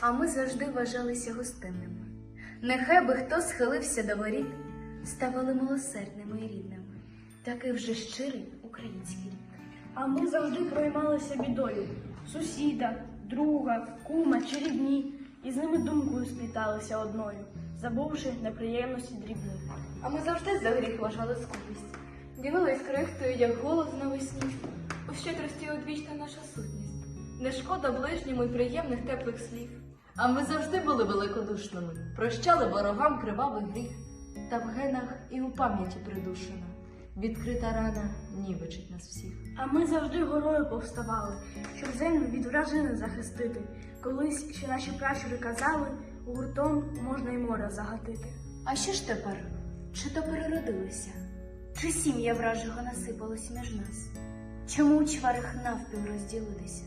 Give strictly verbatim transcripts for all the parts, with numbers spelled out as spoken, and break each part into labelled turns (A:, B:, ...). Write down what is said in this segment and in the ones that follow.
A: а ми завжди вважалися гостинними. Нехай би хто схилився до воріт, ставали милосердними і рідними. Такий вже щирий український рід.
B: А ми завжди проймалися бідою сусіда, друга, кума чи рідні, і з ними думкою спліталися одною, забувши неприємності дрібні.
C: А ми завжди за гріх вважали скупість, ділились крихтою, як голос навесні. У щедрості одвічна наша сутність, не шкода ближньому й приємних теплих слів.
D: А ми завжди були великодушними, прощали ворогам кривавий гріх, та в генах і у пам'яті придушена відкрита рана нівечить нас всіх.
B: А ми завжди горою повставали, щоб землю від вражини захистити. Колись ще наші пращури казали, гуртом можна й море загатити.
A: А що ж тепер? Чи то переродилися? Чи сім'я вражого насипалось між нас? Чому у чварах навпіл розділилися?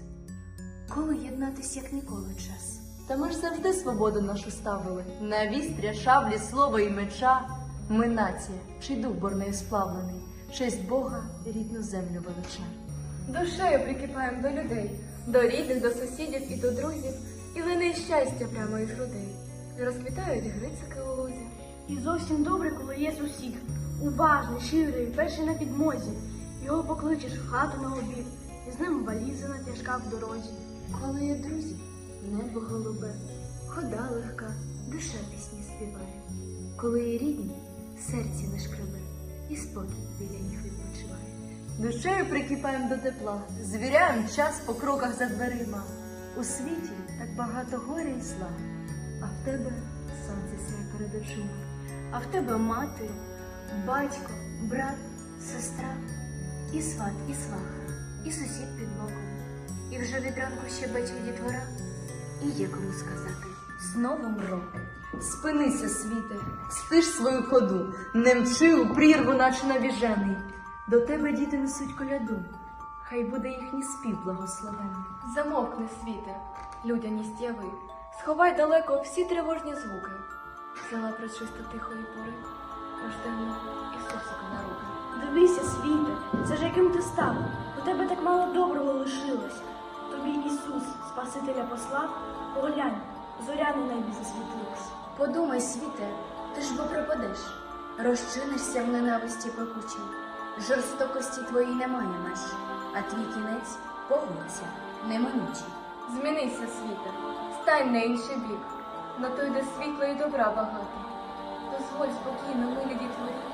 A: Коли єднатись, як ніколи, час?
D: Та ми ж завжди свободу нашу ставили, на вістря, шаблі, слова і меча. Ми нація, чий дух борнею сплавлений, честь Бога рідну землю велича.
C: Душею прикипаємо до людей, до рідних, до сусідів і до друзів, і лине щастя прямо із грудей. Розквітають грицики у лузі.
B: І зовсім добре, коли є сусід, уважний, щирий, перший на підмозі. Його покличеш в хату на обід, і з ним валізина тяжка в дорозі.
A: Коли є друзі, небо голубе, хода легка, душа пісні співає. Коли є рідні, серці не шкребе, і спокій біля них відпочиває.
D: Душею прикипаємо до тепла, звіряємо час по кроках за дверима. У світі так багато горя і зла, а в тебе сонце сяє перед очима.
A: А в тебе мати, батько, брат, сестра, і сват, і сваха, і сусід під боком. І вже від ранку щебече дітвора, і є кому сказати з Новим роком.
D: Спинися, світе, стиш свою ходу, не мчи у прірву, наче навіжений. До тебе діти несуть коляду, хай буде їхній спів благословений.
C: Замовкни, світе, людяність яви, сховай далеко всі тривожні звуки. Взяла пречисто тихої пори, рожденого Ісусика на руки.
B: Дивися, світе, це ж яким ти став, у тебе так мало доброго лишилось. Тобі Ісус, Спасителя послав, поглянь, зоря на небі засвітилась.
A: Подумай, світе, ти ж бо пропадеш, розчинишся в ненависті пекучій. Жорстокості твоїй немає меж, а твій кінець погодься, неминучий.
C: Змінися, світе, стань на інший бік, на той, де світла і добра багато. Дозволь спокійно милі дітворі